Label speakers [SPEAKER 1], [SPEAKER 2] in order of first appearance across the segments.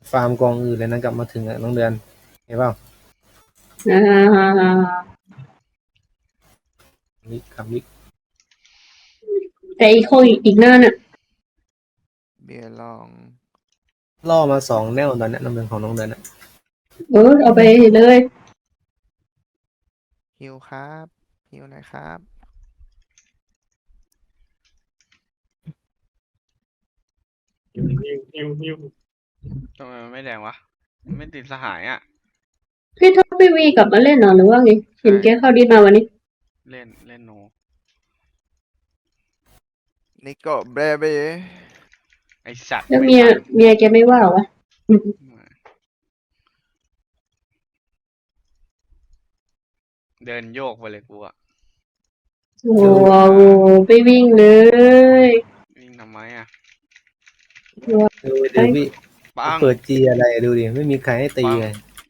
[SPEAKER 1] ฟาร์มกองอื่นเลยนะกลับมาถึงน้องเดือนเห็นเปล่า
[SPEAKER 2] อ่า
[SPEAKER 1] วิกครับวิก
[SPEAKER 2] แต่อีกคนอีกหน้าน่ะ
[SPEAKER 3] เบียร์ลอง
[SPEAKER 1] ล่อมา2 แนวตอนนี้น้ำเดือนของน้องเดือนอะ
[SPEAKER 2] เอาไปเลย
[SPEAKER 3] ฮิวครับฮิวหน่อยครับ
[SPEAKER 4] หิว
[SPEAKER 5] ทำไมมันไม่แดงวะมันไม่ติดสหายอ่ะ
[SPEAKER 2] พี่ท็อปพี่วีกลับมาเล่นเหรอหรือว่าไงเห็นแกเข้าดีมาวันนี้
[SPEAKER 5] เล่นโน
[SPEAKER 3] นิโก้เบเบ้
[SPEAKER 5] ไอสัตว์
[SPEAKER 2] แล้ว
[SPEAKER 5] ไม่
[SPEAKER 2] เมีย
[SPEAKER 5] ทัน
[SPEAKER 2] เมียแกไม่ว่าวะ
[SPEAKER 5] เดินโยกไปเลยกูอะ
[SPEAKER 2] โอ้โหไปวิ่งเลย
[SPEAKER 5] วิ่งทำไมอะ
[SPEAKER 1] ดูพี่
[SPEAKER 5] ปัง
[SPEAKER 1] เปิดจีอะไรดูดิไม่มีใครให้ตีเลย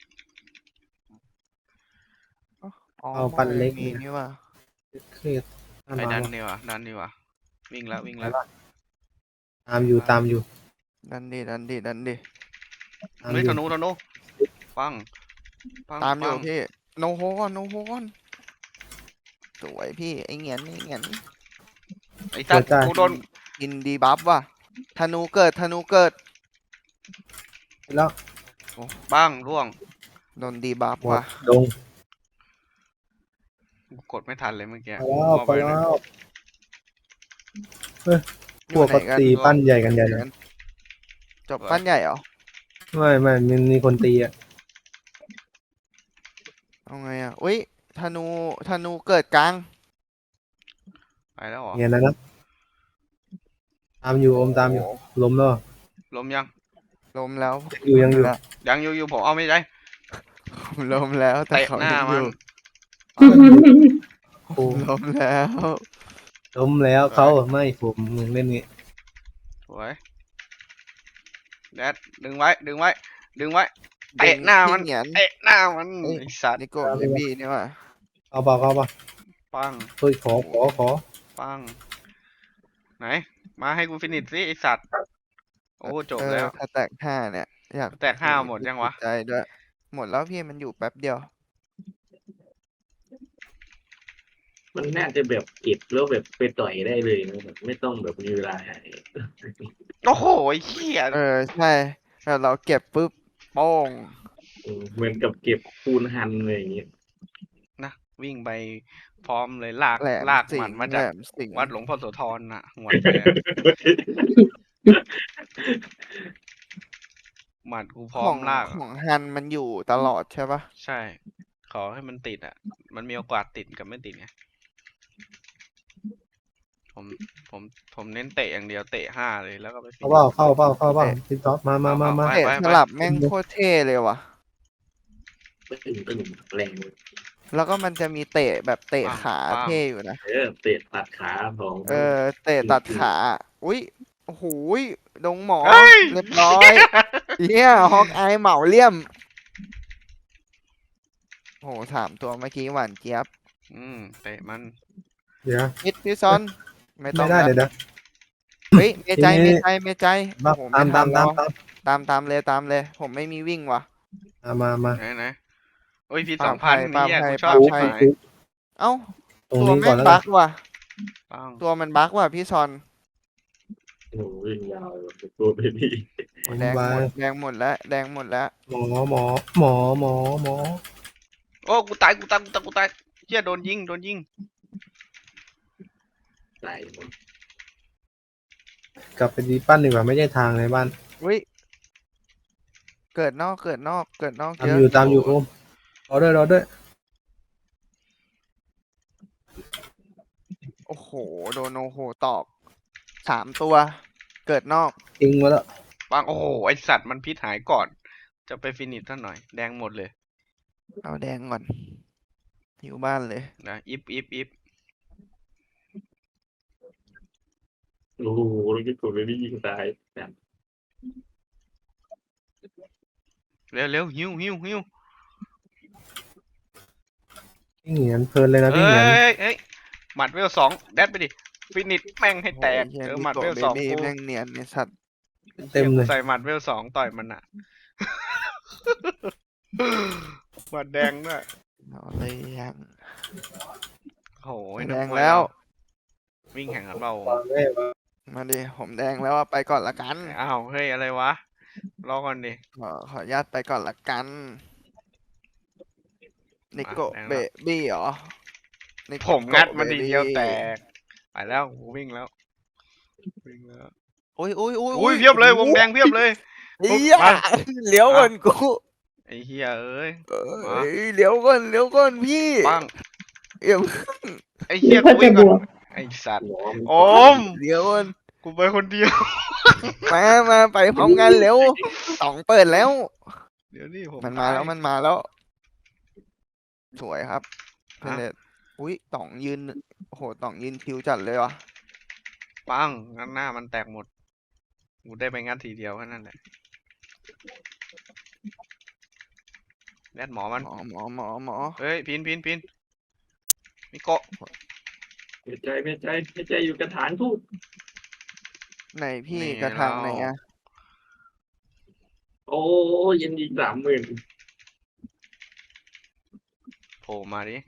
[SPEAKER 3] อ๋อ
[SPEAKER 1] เอาปั้นเล็ก
[SPEAKER 3] มีนี่ว่ะ
[SPEAKER 1] เครียด
[SPEAKER 5] ไปดันดีวะวิ่งแล้ว
[SPEAKER 1] ตามอยู่
[SPEAKER 3] ดันดิ
[SPEAKER 1] ตาม
[SPEAKER 5] เฮ้ย
[SPEAKER 1] อยู่
[SPEAKER 5] ธนูปัง
[SPEAKER 3] ตามอยู่
[SPEAKER 5] ปัง
[SPEAKER 3] พี่โนโฮก่อนสวยพี่ไอเงียน
[SPEAKER 5] ไอสัตว์กูโดน
[SPEAKER 3] กินดีบัฟว่ะธนูเกิด
[SPEAKER 1] แล้ว
[SPEAKER 5] ปังร่วง
[SPEAKER 3] โดนดีบัฟ
[SPEAKER 1] หมด
[SPEAKER 3] ว่ะ
[SPEAKER 1] ดง
[SPEAKER 5] กูกดไม่ทันเลยเมื่อกี้
[SPEAKER 1] ไปแล้วพวกเขาตีปั้นใหญ่กันใหญ่เลย
[SPEAKER 3] จบปั้นใหญ่เหรอ
[SPEAKER 1] ไม่มีคนตีอ่ะ
[SPEAKER 3] เอาไงอ่ะอุ้ยธนูเกิดกลาง
[SPEAKER 5] ไปแล้วเหรอ
[SPEAKER 1] เนี่ยนะตามอยู่อมตามอยู่ล้มแล้ว
[SPEAKER 5] ล้มยัง
[SPEAKER 3] ล้มแล้ว
[SPEAKER 1] ยังอยู่
[SPEAKER 5] ยังอยู่ผมเอาไม่ได้
[SPEAKER 3] ล้มแล้วแต่
[SPEAKER 5] เตะ
[SPEAKER 3] เขา
[SPEAKER 5] หน้า
[SPEAKER 3] ยังอ
[SPEAKER 5] มัน
[SPEAKER 3] ยู่
[SPEAKER 1] โอ้
[SPEAKER 3] ล้มแล้ว
[SPEAKER 1] ล้มแล้วเขาไม่ผมมึงเล่นงี้
[SPEAKER 5] สวยแดดดึงไว้เตะหน้ามัน
[SPEAKER 3] เงียน
[SPEAKER 5] ไอสัตว์
[SPEAKER 3] นิโก้เบบี้นี่ว่ะ
[SPEAKER 1] เอาเปล่า
[SPEAKER 5] ปัง
[SPEAKER 1] เฮ้ยขอ
[SPEAKER 5] ปังไหนมาให้กูฟินิชสิไอสัตว์โอ้จบแล้ว
[SPEAKER 3] ถ้าแตกห้าเนี่ยอยาก
[SPEAKER 5] แตกห้าหมดยังวะ
[SPEAKER 3] ใจด้วยหมดแล้วพี่มันอยู่แป๊บเดียว
[SPEAKER 4] มันน่าจะแบบเก็บแล้วแบบไปต่อยได้เลยนะแบบไม่ต้องแบบมีเวลา
[SPEAKER 5] โอ้โหไอ้เหี้ย
[SPEAKER 3] ใช่แล้วเราเก็บปุ๊บโป้ง
[SPEAKER 4] เหมือนกับเก็บปูนหันอะไรอย่างเงี้ย
[SPEAKER 5] นะวิ่งไปพร้อมเลยลาก
[SPEAKER 3] แหลม
[SPEAKER 5] ห
[SPEAKER 3] สิ
[SPEAKER 5] มั
[SPEAKER 3] ง
[SPEAKER 5] นมา
[SPEAKER 3] แหล
[SPEAKER 5] จาก
[SPEAKER 3] มสิง
[SPEAKER 5] วัดหลวงพ่อโสธรน่ะหวดเลยอะหมัดกูพร้อ
[SPEAKER 3] ขอ
[SPEAKER 5] ม
[SPEAKER 3] ง
[SPEAKER 5] ลาก
[SPEAKER 3] ของฮันมันอยู่ตลอดใช่ปะ
[SPEAKER 5] ใช่ ขอให้มันติดอ่ะ มันมีโอกาสติดกับไม่ติดไงผมผมเน้นเตะอย่างเดียวเตะห้าเลยแล้วก็ไป
[SPEAKER 1] เข้าเปล่าพี่ท็อปมา
[SPEAKER 3] เตะสลับแม่งโคตรเท่เลยว่ะ
[SPEAKER 4] ตึงแรงเลย
[SPEAKER 3] แล้วก็มันจะมีเตะแบบเตะขาเท่อยู่นะ
[SPEAKER 4] เตะตัดขาของ
[SPEAKER 3] เตะตัดขา อุ้ยโอ้โหยดงหมอ
[SPEAKER 5] เฮ้ย
[SPEAKER 3] เรียบร้อยเนี่ยฮอกอายเหมาเลี่ยมโห3 ตัวเมื่อกี้หวานเจี๊ยบ
[SPEAKER 5] เตะมัน
[SPEAKER 1] เดี๋ยว
[SPEAKER 3] พี่ซอนไม่ต้
[SPEAKER 1] ไม่
[SPEAKER 3] อง
[SPEAKER 1] ได้
[SPEAKER 3] แล้ว
[SPEAKER 1] เดี๋ยว
[SPEAKER 3] เฮ้ยเมใจ
[SPEAKER 1] ทีนี้
[SPEAKER 3] เมใจโอ้โห
[SPEAKER 1] ตาม
[SPEAKER 3] ไทันแล้วตามเลย ผมไม่มีวิ่งว่ะ
[SPEAKER 1] มา
[SPEAKER 5] ไหนโอ้ยพี่
[SPEAKER 3] ปา
[SPEAKER 5] 2,000
[SPEAKER 3] ปา
[SPEAKER 5] นี่
[SPEAKER 3] ไผ่
[SPEAKER 5] กูชอบ
[SPEAKER 3] ปา
[SPEAKER 5] ชิบ
[SPEAKER 3] ไผ่
[SPEAKER 5] หาย
[SPEAKER 3] เอ้า
[SPEAKER 1] ตรง
[SPEAKER 3] ตัว
[SPEAKER 1] นี้ก่
[SPEAKER 3] แม่
[SPEAKER 1] อน
[SPEAKER 3] ง
[SPEAKER 1] แล้ว
[SPEAKER 3] บั๊กว่ะ
[SPEAKER 5] ปัง
[SPEAKER 3] ตัวมันบั๊กว่ะพี่ซอน
[SPEAKER 4] โอ้ยยาวตัวเบบี้
[SPEAKER 3] แดงหมดแล้ว
[SPEAKER 1] หมอ
[SPEAKER 5] โอ้กูตายเหี้ยโดนยิง
[SPEAKER 4] ตายหมด
[SPEAKER 1] กลับไปดีปั้นดีกว่าไม่ใช่ทางในบ้าน
[SPEAKER 3] อุ้ยเกิดนอกเย
[SPEAKER 1] ตามอยู่โอมรอด้วย
[SPEAKER 3] โอ้โหโดนโอโหตอก3 ตัว เกิดนอก
[SPEAKER 1] ทิ้งมาแล้ว
[SPEAKER 5] ปังโอ้โหไอสัตว์มันพิษหายก่อน จะไปฟินิชซะหน่อยแดงหมดเลย
[SPEAKER 3] เอาแดงก่อนอยู่บ้านเลย
[SPEAKER 5] นะอิฟ
[SPEAKER 4] โอ้โหแล้วก็ตัวเบบี้ยิงตายแบบ
[SPEAKER 5] เร็วหิว
[SPEAKER 1] พี่เหงียนเพลินเลยนะพี่
[SPEAKER 5] เฮ้
[SPEAKER 1] เหงียน
[SPEAKER 5] ยหมัดเวล2แดดไปดิฟินิชแม่งให้แตก
[SPEAKER 3] โอ้ย
[SPEAKER 5] เจอ
[SPEAKER 3] หี้ย
[SPEAKER 5] หมัดเวล
[SPEAKER 3] นี่ตัว
[SPEAKER 5] 2กู
[SPEAKER 3] แม่งเนียนในสัตว์
[SPEAKER 1] เต็มเลย
[SPEAKER 5] ใส่หมัดเวล2ต่อยมันอ่ะบัตรแดงด้วย
[SPEAKER 3] เอาเลยยัง
[SPEAKER 5] โอ้ย
[SPEAKER 3] แด
[SPEAKER 5] นัก
[SPEAKER 3] ง
[SPEAKER 5] มย
[SPEAKER 3] แล้ว
[SPEAKER 5] วิ่งแข่งกันเปล่า
[SPEAKER 1] ฟังได้ปะ
[SPEAKER 3] มาดิผมแดงแล้วอะไปก่อนละกัน
[SPEAKER 5] อ้าวเฮ้ยอะไรวะรอก่อนดิ
[SPEAKER 3] ขออนุญาตไปก่อนละกันนิโก
[SPEAKER 5] แดง
[SPEAKER 3] เบ
[SPEAKER 5] แล้ว
[SPEAKER 3] บี้เหรอนิโก
[SPEAKER 5] ผมงัดมัน
[SPEAKER 3] เบ
[SPEAKER 5] ที
[SPEAKER 3] บี้
[SPEAKER 5] เดียวแตกไปแล้วกูวิ่งแล้ววิ่งแล้ว
[SPEAKER 3] โอ้ยโอ้ยโอ้ย
[SPEAKER 5] อุ้ยเพียบเลยวงแดงเพียบเลย
[SPEAKER 3] เฮีย
[SPEAKER 5] มา
[SPEAKER 3] เลี้ยวก่อนกู
[SPEAKER 5] ไอ้เฮียเอ้ย
[SPEAKER 3] เอ้ยเลี้ยวก่อนพี่
[SPEAKER 5] ปัง
[SPEAKER 3] เอี่ยม
[SPEAKER 5] ไอ้เฮี
[SPEAKER 2] นึ
[SPEAKER 5] ย
[SPEAKER 2] กว่า
[SPEAKER 5] กูวิ่
[SPEAKER 2] จะ
[SPEAKER 5] ง
[SPEAKER 2] บ
[SPEAKER 5] ก่อน
[SPEAKER 2] วก
[SPEAKER 5] ไอ้สัตว์
[SPEAKER 4] หมอมัน
[SPEAKER 5] โอม
[SPEAKER 3] เลี้ยวก่อน
[SPEAKER 5] กูไปคนเดียว
[SPEAKER 3] มาไปพร้อมกันเร็วต่องเปิดแล้ว
[SPEAKER 5] เดี๋ยวนี่ผม
[SPEAKER 3] มันมาแล้ว
[SPEAKER 5] ตย
[SPEAKER 3] มันมาแล้ว สวยครับเพ
[SPEAKER 5] อ่ะ
[SPEAKER 3] ลตอุ้ยต่องยืนโอ้โหต่องยืนคิวจัดเลยวะ
[SPEAKER 5] ปังงั้นหน้ามันแตกหมดกูได้ไปงัดทีเดียวแค่นั้นแหละแดดหมอมัน
[SPEAKER 3] หมอ
[SPEAKER 5] เฮ้ยพินมิโกะ
[SPEAKER 4] ไม่ใจอยู่กระถางทูบ
[SPEAKER 3] ไหนพี่
[SPEAKER 5] นี่
[SPEAKER 3] กระทางไหน
[SPEAKER 5] เรา
[SPEAKER 3] อะ
[SPEAKER 4] โอ้ยันอีก30,000
[SPEAKER 5] โผล่มาดิ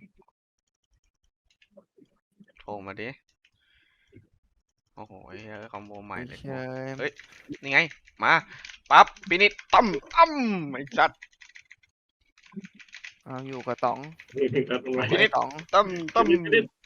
[SPEAKER 5] โผล่มาดิโอ้โหเฮ้ยคอมโบใหม่เลย
[SPEAKER 3] เชย
[SPEAKER 5] เฮ้ย นี่ไง มาปั๊บปินิดตั้มไอ้จัด
[SPEAKER 3] เอาอยู่กับต๋อง
[SPEAKER 4] นี่ครับตรงไหน
[SPEAKER 5] พี่นิด
[SPEAKER 3] ต๋อง
[SPEAKER 5] ตั้มตั้ม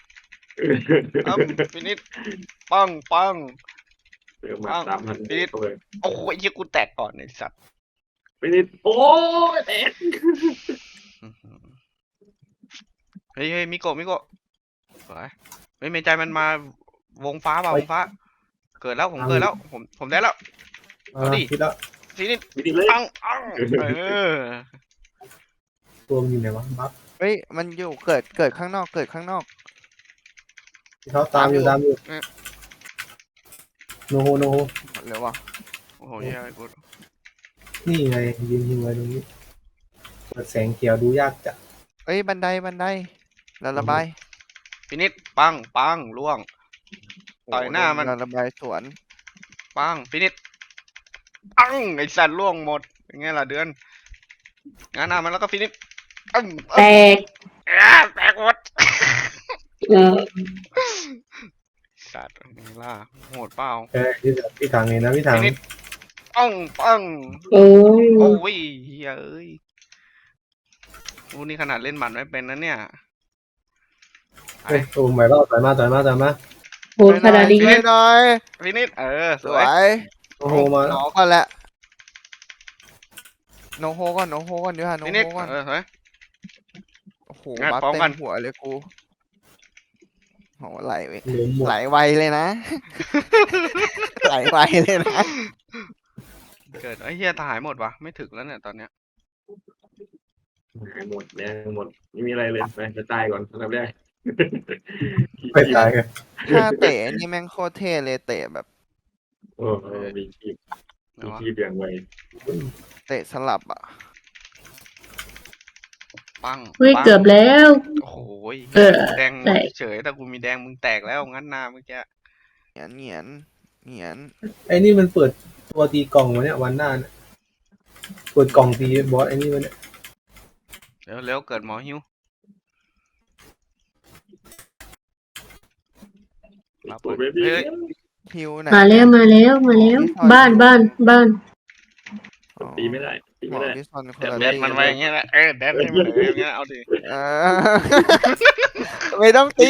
[SPEAKER 5] ปินิดปัง
[SPEAKER 4] เติมมา3,000
[SPEAKER 5] พี่นิด
[SPEAKER 4] เข้าไป
[SPEAKER 5] โอ้โหไอ้เหี้ยกูแตกก่อนไอ้สัตว์
[SPEAKER 4] ไปนิดโอ้ยแตก
[SPEAKER 5] อื้อหือเฮ้ยมิโกะสวยเฮ้ยเมนใจมันมาวงฟ้าเปล่าวงฟ้า เกิดแล้วผมเกิดแล้วผมได้แล้ว เอาดิ
[SPEAKER 1] คิดแล้ว
[SPEAKER 5] ทีนี้
[SPEAKER 4] ไปดิเลย
[SPEAKER 5] ปัง
[SPEAKER 1] ตัวมันอยู่ไหนวะบัฟ
[SPEAKER 3] เฮ้ยมันอยู่เกิดข้างนอกเกิดข้างนอก
[SPEAKER 1] ที่เขาตามอยู่โนโฮ
[SPEAKER 3] หมดเลยวะ
[SPEAKER 5] โอ้โหเหี้ยกู
[SPEAKER 1] นี่ไงยืนอยู่ไว้ตรงนี้เปิดแสงเขียวดูยากจัด
[SPEAKER 3] เอ้ยบันไดแล้วระบาย
[SPEAKER 5] พินิดปังล่วง ต่อยหน้ามัน
[SPEAKER 3] แล้วระบายสวน
[SPEAKER 5] ปังพินิดปังไอ้สัตว์ล่วงหมดเป็นไงล่ะเดือนงานหน้ามันแล้วก็ฟินิด
[SPEAKER 2] แตก
[SPEAKER 5] แตกหมด
[SPEAKER 2] เออ
[SPEAKER 5] สัตว์นี่ล่ะโหดเปล่า
[SPEAKER 1] พี่ถังเองนะพี่ถัง
[SPEAKER 5] พินิดปัง
[SPEAKER 2] โอ้ย
[SPEAKER 5] โอ้ยเฮ้ยเอ้ยอูนี่ขนาดเล่นหมัดไม่เป็นนะเนี่ย
[SPEAKER 1] เฮ้ยโอ้ยต่อยมา
[SPEAKER 2] โหขนาดนี้
[SPEAKER 3] ช่วยหน่อย
[SPEAKER 5] พินิดส
[SPEAKER 3] ส
[SPEAKER 5] ว
[SPEAKER 3] วย ย
[SPEAKER 1] โอ้โหมา
[SPEAKER 3] หนอก่อนแหละโนโฮก่อนเดี๋ยวหาโน
[SPEAKER 5] พิ
[SPEAKER 3] โฮ
[SPEAKER 5] นิด
[SPEAKER 3] ก่อน
[SPEAKER 5] สวย
[SPEAKER 3] โอ้โห
[SPEAKER 5] งัด
[SPEAKER 3] บัฟ
[SPEAKER 5] พร้อม
[SPEAKER 3] เต็
[SPEAKER 5] กัน
[SPEAKER 3] มหัวเลยกูโหไหล
[SPEAKER 1] เหลือหมด
[SPEAKER 3] ไหลไวเลยนะ ไหลไวเลยนะ
[SPEAKER 5] เกิดไอ้เฮียตายหมดวะไม่ถึงแล้วเนี่ยตอนเนี้ย
[SPEAKER 4] หายหมดแดงหมดไม่มีอะไรเลยไปจะตายก่อนอันดับแรก
[SPEAKER 1] ไปตายกัน
[SPEAKER 3] ถ้าเตะนี่แม่งโคตรเท่เลยเตะแบบ
[SPEAKER 4] โอ้มีคีบอย่างไว
[SPEAKER 3] เตะสลับอ่ะ
[SPEAKER 5] ปัง
[SPEAKER 2] เฮ้ย
[SPEAKER 5] ปัง
[SPEAKER 2] เกือบแล้ว
[SPEAKER 5] โอ้โห
[SPEAKER 2] เออ
[SPEAKER 5] แดง
[SPEAKER 2] แตก
[SPEAKER 5] เฉยแต่กูมีแดงมึงแตกแล้วงั้นหน้าเมื่อกี้
[SPEAKER 3] เหงียน
[SPEAKER 1] ไอ้นี่มันเปิดตัวตีกล่องวะเนี่ยวันหน้าเนี่ยเปิดกล่องตีบอสไอ้นี่มันเนี่ย
[SPEAKER 5] เร็วเกิดหมอหิว มาเปิ
[SPEAKER 4] ตัว
[SPEAKER 5] ด
[SPEAKER 4] เบบี้
[SPEAKER 5] เฮ้ย
[SPEAKER 3] ฮิวไหน
[SPEAKER 2] มาแล้วบ้าน
[SPEAKER 3] อ๋อ
[SPEAKER 4] ตีไม่ได้
[SPEAKER 3] หมอที่ซ่อนคนละ
[SPEAKER 5] แดด
[SPEAKER 3] ที่
[SPEAKER 5] มันไว้อย่างเงี้ยแหละแดดให้มันเลยอย่างเงี้ยเอาดิ
[SPEAKER 3] เออ ไม่ต้องตี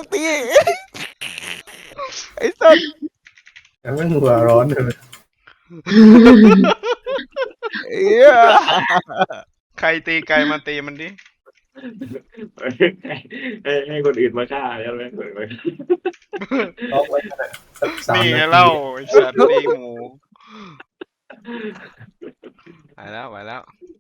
[SPEAKER 3] ไอ้สัส
[SPEAKER 1] แต่มันหัวร้อนเลย
[SPEAKER 3] เอี้ย
[SPEAKER 5] ใครตีไก่มาตีมันดิ
[SPEAKER 4] ให้คนอื่นมาฆ่าใช่ไหม
[SPEAKER 1] ล็อกไว้ขนาดสัก3
[SPEAKER 5] นี่ไง
[SPEAKER 1] นาที
[SPEAKER 5] เล่าไอ้สัตว์ตีหมูไปแล้ว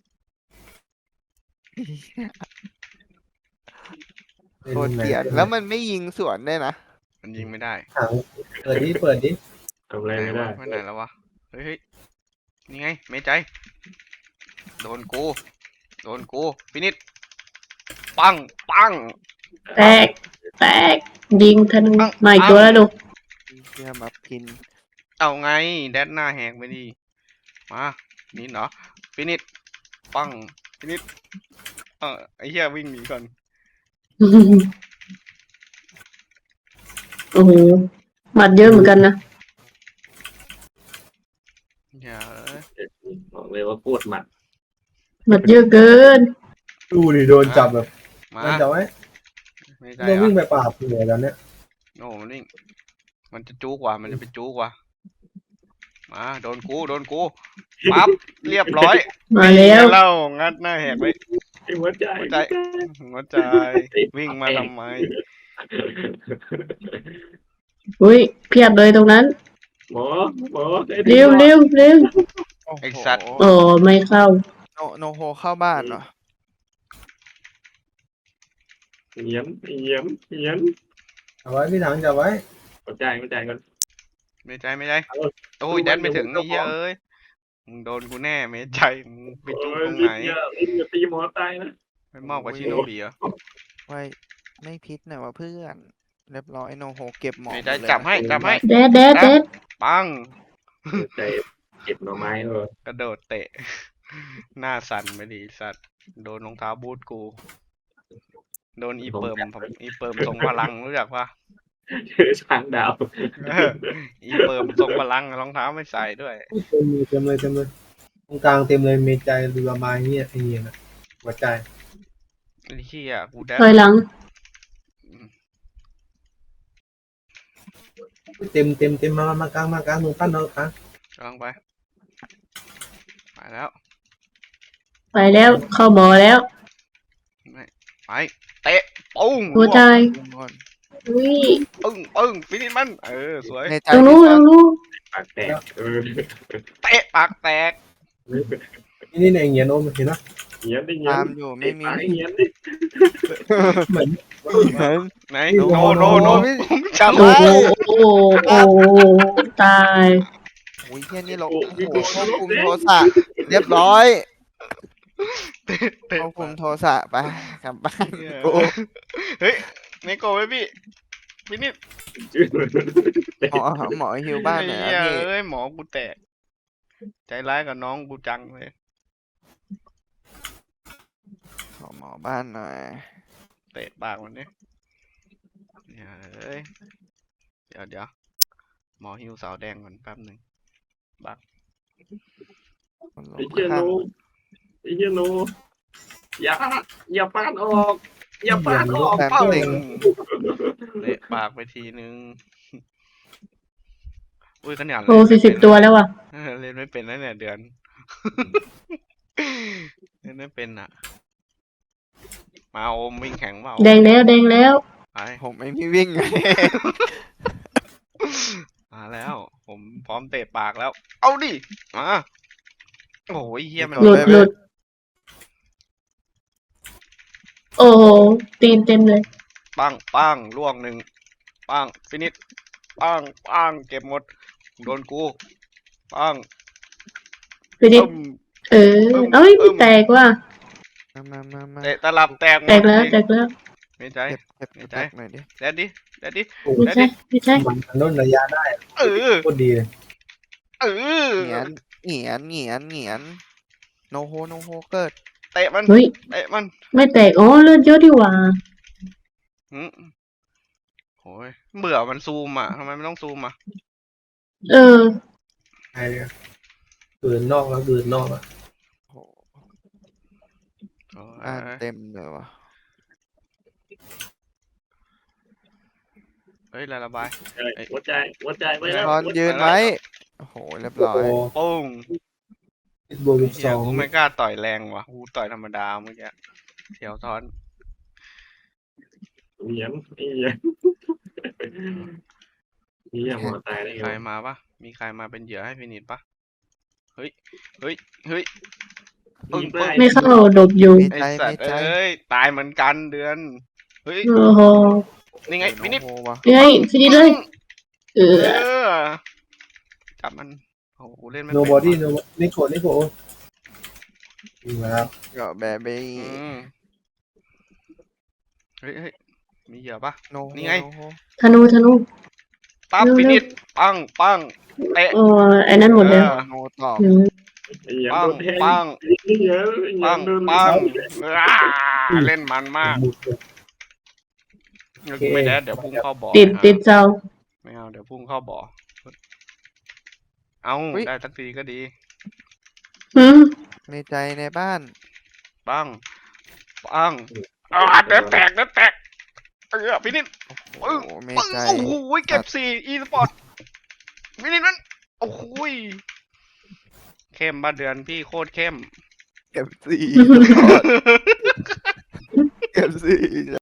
[SPEAKER 3] โคตรเกลียดแล้วมันไม่ยิงสวนได้วยนะ
[SPEAKER 5] มันยิงไม่ได้
[SPEAKER 1] ถังเปิดดิ
[SPEAKER 4] ทำอะไรไม่ได้
[SPEAKER 5] ไปไหนแล้ววะเฮ้ยนี่ไงไม่ใจโดนกูฟินิชปัง
[SPEAKER 2] แตกยิงธนูใหม่ตัวแล้วดู
[SPEAKER 3] เฮียมาพิน
[SPEAKER 5] เอาไงแดดหน้าแหกไปดิมานี่เหรอฟินิชปังฟินิชไอ้เหี้ยวิ่งหนีก่อน
[SPEAKER 2] โอ้โหหมัดเยอะเหมือนกันนะ
[SPEAKER 5] อย่าเลย
[SPEAKER 4] บอกเลยว่าโคตรหมัด
[SPEAKER 2] หมัดเยอะเกิน
[SPEAKER 1] ดูดิโดนจับแบบ
[SPEAKER 5] มา
[SPEAKER 1] มันจับไว้
[SPEAKER 5] ไม่
[SPEAKER 1] โด
[SPEAKER 5] ใช่
[SPEAKER 1] น
[SPEAKER 5] เหร
[SPEAKER 1] วิ่
[SPEAKER 5] อง
[SPEAKER 1] ไปปราบเลยตอนเนี้ย
[SPEAKER 5] โอ้มันวิ่งมันจะจู้กว่ามันจะไปจู้กว่ามาโดนกูปั๊บเรียบร้อย
[SPEAKER 2] มาแล้ว
[SPEAKER 5] เล่างัดหน้าแหกไว้
[SPEAKER 4] หัวใจ
[SPEAKER 5] หัวใจวิ่งมาทำไม
[SPEAKER 2] อุ้ยเพียบเลยตรงนั้น
[SPEAKER 4] หมอได้
[SPEAKER 2] เร็วเร็วเร็ว
[SPEAKER 3] โอ้โห
[SPEAKER 5] ไอ้สัตว์
[SPEAKER 2] โอ้ไม่เข้า
[SPEAKER 3] โนโฮเข้าบ้านเหรอ
[SPEAKER 4] เหยียม
[SPEAKER 1] จับไว้พี่ถังจับไว้
[SPEAKER 4] หัวใจก่อน
[SPEAKER 5] ไม่ใจโอ้ยแดนไม่ถึงไอ้เหี้ยเอ้ยมึงโดนกูแน่ไม่ใจมึงไปจู้ตรงไหน
[SPEAKER 4] อย่าตีหมอตายนะ
[SPEAKER 5] ไปมอบกับชิโนบิเหรอ
[SPEAKER 3] ไว้ไม่พิษหน่อยวะเพื่อนเรียบร้อยโนโฮเก็บหมอ
[SPEAKER 5] ไม่ใจ
[SPEAKER 3] หมดเลย
[SPEAKER 5] จับให้
[SPEAKER 2] แดดแดดแดด
[SPEAKER 5] ปัง
[SPEAKER 4] หัวใจเก็บหน่อไม้เออก
[SPEAKER 5] ระโดดเตะ หน้าสั่นไปดิสัตว์โดนรองเท้าบูทกู โดนอีเปิมทรงพลังรู้จักปะ
[SPEAKER 4] เจอช้างดาว
[SPEAKER 5] อีเปิมทรงพลังรองเท้าไม่ใส่ด้วย
[SPEAKER 1] เต็มเลยตรงกลางเต็มเลยเมใจเรือมาเงี้ยไอ้เงี้ยนะหัวใจ
[SPEAKER 5] ไอ้เหี้ยกูได้
[SPEAKER 2] ถอยหลัง
[SPEAKER 1] เต็มมากลางตรงปั้นเรากลาง
[SPEAKER 5] กำลังไปแล้ว
[SPEAKER 2] ไปแล้วเข้าหมอแล้ว
[SPEAKER 5] ไปเตะปุ้ง
[SPEAKER 2] หัวใจ
[SPEAKER 3] ก่อน
[SPEAKER 2] อุ้ย
[SPEAKER 5] ปึ้งฟินิชมันสวย
[SPEAKER 3] ในใจ
[SPEAKER 2] ตรงนู้นตรงนู้น
[SPEAKER 4] ปากแตก
[SPEAKER 5] เตะปากแตก
[SPEAKER 1] นี่ในเงี้ยโน้มเห็นไหม
[SPEAKER 4] เหยียม
[SPEAKER 3] ตามอยู่ไม่มี
[SPEAKER 4] เหยียมดิ
[SPEAKER 1] เหมือน
[SPEAKER 5] ไหน
[SPEAKER 1] โน
[SPEAKER 5] โนจำ
[SPEAKER 2] โอ้
[SPEAKER 5] ไว้
[SPEAKER 2] โหโอ้โหโอ้โหตาย
[SPEAKER 3] โอ้ยเฮียนี่เราโอ้โหควบคุมโทรศัพท์เรียบร้อย
[SPEAKER 5] เตะ
[SPEAKER 3] ควบคุมโทรศัพท์ไปกลับบ้านกู
[SPEAKER 5] เฮ้ยไม่โกรธไหมพี่ฟินิช
[SPEAKER 3] หมอฮิวบ้านหน่อยนะพี่
[SPEAKER 5] เอ้ยหมอกูแตกใจร้ายกับน้องกูจังเลย
[SPEAKER 3] ขอหมอบ้านหน่อย
[SPEAKER 5] เตะปากมันนี่เอ้ยเดี๋ยวหมอฮิวสาวแดงก่อนแป๊บหนึ่ง
[SPEAKER 3] คนล
[SPEAKER 4] ไอ้
[SPEAKER 3] ง
[SPEAKER 4] เหี้ย
[SPEAKER 3] ข้าง
[SPEAKER 4] โนอย่าปาดออกอย่าปาดออก
[SPEAKER 3] แป๊บ
[SPEAKER 5] ปึ้
[SPEAKER 3] หนึ่ง
[SPEAKER 5] งเตะปากไปทีนึงอุ้ยขนาด
[SPEAKER 2] โอ้40 ตัวแล้วว่ะ
[SPEAKER 5] เล่นไม่เป็นแล้วเนี่ยเดือน เล่นไม่เป็นอ่ะ มาโอมวิ่งแข่งเปล่า
[SPEAKER 2] แดงแล้วแดงแล้ว
[SPEAKER 5] ไป
[SPEAKER 3] ผมไม่มีวิ่งไง
[SPEAKER 5] มาแล้ว ผมพร้อมเตะปากแล้ว เอาดิมาโอ้ยเฮียมัน
[SPEAKER 2] หลุดโอ้โหตีนเต็มเลย
[SPEAKER 5] ปังล่วงหนึ่งปังฟินิชปังเก็บหมดโดนกูปัง
[SPEAKER 2] ไปดิ
[SPEAKER 5] ตึ้ม
[SPEAKER 2] เออเอ้ยไม่แตกว่ะ
[SPEAKER 3] มา
[SPEAKER 5] เตะตลับแตกหมด
[SPEAKER 2] แตกแล้วแตกแล้ว
[SPEAKER 5] ไม่ใจ
[SPEAKER 3] เก็บแตกหน่อยดิ
[SPEAKER 5] แดดดิ
[SPEAKER 1] โอ้
[SPEAKER 2] ไม่ใช่ไม่ใช่
[SPEAKER 1] มันต้นระยะได้
[SPEAKER 5] เออ
[SPEAKER 1] โคตรดีเลย
[SPEAKER 5] เออ
[SPEAKER 3] เหงียนโนโฮเกิด
[SPEAKER 5] เตะมัน
[SPEAKER 2] เฮ้ย
[SPEAKER 5] เตะมัน
[SPEAKER 2] ไม่แตกอ๋อเลือดเยอะดีกว่า
[SPEAKER 5] โอ้ยเบื่อมันซูมอ่ะทำไมไม่ต้องซูมอ่ะ
[SPEAKER 2] เออ
[SPEAKER 1] ไอ้เกินนอกแล้วเกินนอกแล้ว
[SPEAKER 3] โอ้โห
[SPEAKER 5] โอ้ย
[SPEAKER 3] บ้านเต็มเลยวะ
[SPEAKER 5] เฮ้ยระบาย
[SPEAKER 4] หัวใจไปแล้ว
[SPEAKER 3] ทอนยืนไว้โอ้โหเรียบร้อย
[SPEAKER 5] ปุ้ง
[SPEAKER 1] โบวิด
[SPEAKER 5] เฮี
[SPEAKER 1] ส
[SPEAKER 5] ย
[SPEAKER 1] อง
[SPEAKER 5] กูไม่กล้าต่อยแรงว่ะกูต่อยธรรมดาเมื่อกี้เสียวท้อน
[SPEAKER 4] เหยียมหัวตายได้
[SPEAKER 5] ใครมาปะมีใครมาเป็นเหยื่อให้ฟินิชปะเฮ้ยปึ้ง
[SPEAKER 2] ไม่เข้าดบอยู่
[SPEAKER 5] ไอสัตว์เอ้ยตายเหมือนกันเดือนเฮ้ย
[SPEAKER 2] โอ้โห
[SPEAKER 5] นี่ไงฟินิช
[SPEAKER 3] โนโฮวะ
[SPEAKER 2] ยังไงฟินิชเลยเออ
[SPEAKER 5] จับมันโอ้โหเล่นไม่
[SPEAKER 1] โน
[SPEAKER 5] เป็น
[SPEAKER 1] บอดี้โนนิโกดีแล้ว
[SPEAKER 3] ก็แบบไป
[SPEAKER 5] อืมเฮ้ยมีเหยื่อปะ
[SPEAKER 3] โนโฮ
[SPEAKER 5] นี่ไง
[SPEAKER 2] ธนู
[SPEAKER 5] ปั๊บฟินิชปังเตะ
[SPEAKER 2] โอ้ไอ้นั่นหมดแล้ว
[SPEAKER 3] โนตอบ
[SPEAKER 2] อืม
[SPEAKER 4] อย่า
[SPEAKER 5] ปั
[SPEAKER 4] โด
[SPEAKER 5] ง
[SPEAKER 4] นแทง
[SPEAKER 5] ปัง
[SPEAKER 4] อย่า
[SPEAKER 5] ปัง
[SPEAKER 4] โดน
[SPEAKER 5] ปังเล่นมันมาก
[SPEAKER 1] บูดเลย
[SPEAKER 5] ไม่ได้เดี๋ยวพุ่งเข้าบ่อ
[SPEAKER 2] ติดเจ้า
[SPEAKER 5] ไม่เอาเดี๋ยวพุ่งเข้าบ่อเอาได้สักทีก็ดี
[SPEAKER 3] ในใจในบ้าน
[SPEAKER 5] ปังปังเดี๋ยวแตกพี่นิด
[SPEAKER 3] โอ้โหใน
[SPEAKER 5] ปึ้ง
[SPEAKER 3] ใจ
[SPEAKER 5] โอ้โหเก็บ4 e สปอร์ตพี่นิดนั้นโอ้โหเข้มบ้านเดือนพี่โคตรเข้ม
[SPEAKER 3] เก็บสี่ เก็บสี่